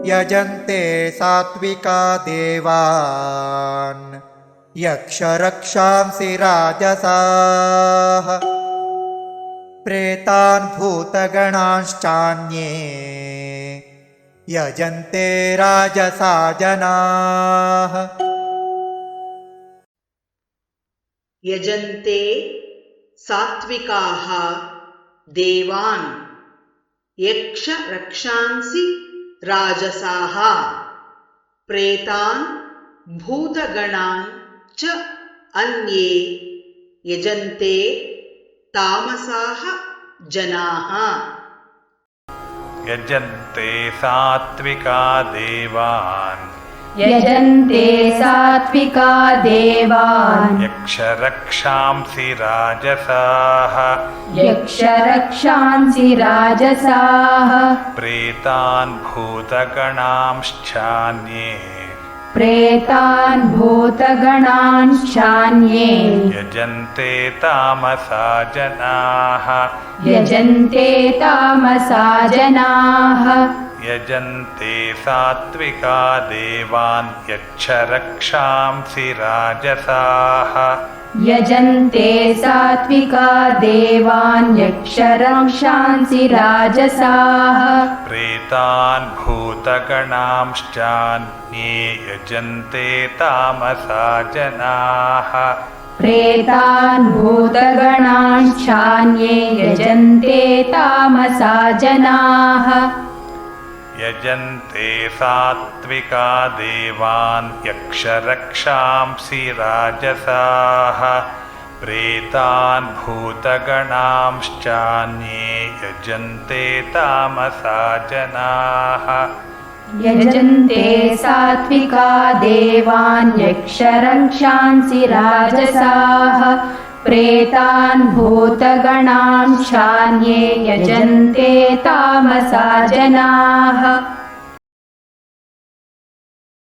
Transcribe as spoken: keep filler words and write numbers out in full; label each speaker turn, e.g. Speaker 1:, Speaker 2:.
Speaker 1: यजन्ते सात्विका देवान् यक्षरक्षांसि राजसाः प्रेतान् भूतगणांश्चान्ये यजन्ते राजसा जनाः।
Speaker 2: यजन्ते सात्विकाः देवान् यक्ष रक्षांसि राजसाः प्रेतान् भूतगणान् च अन्ये यजन्ते तामसाः जनाः।
Speaker 3: यजन्ते सात्विका देवान्
Speaker 4: यजन्ते सात्विका देवान्
Speaker 3: यक्षरक्षांसि राजसाः
Speaker 4: यक्षरक्षांसि राजसाः
Speaker 3: प्रेतान् भूतगणांश्चान्ये
Speaker 4: प्रेतान् भूतगणांश्चान्ये
Speaker 3: यजन्ते तामसा जनाः
Speaker 4: यजन्ते तामसा जनाः।
Speaker 3: यजन्ते सात्विका देवान् यक्षरक्षांसि राजसाः
Speaker 4: यजन्ते सात्विका देवान् यक्षरक्षांसि राजसाः
Speaker 3: प्रेतान् भूतगणांश्चान्ये यजन्ते तामसा जनाः
Speaker 4: प्रेतान् भूतगणांश्चान्ये यजन्ते तामसा जनाः।
Speaker 3: यजन्ते सात्विका देवान् यक्षरक्षांसि राजसाः प्रेतान् भूतगणांश्चान्ये यजन्ते तामसा जनाः।
Speaker 4: यजन्ते सात्विका देवान् यक्षरक्षांसि राजसाः प्रेतान् भूतगणांश्चान्ये यजन्ते तामसा जनाः।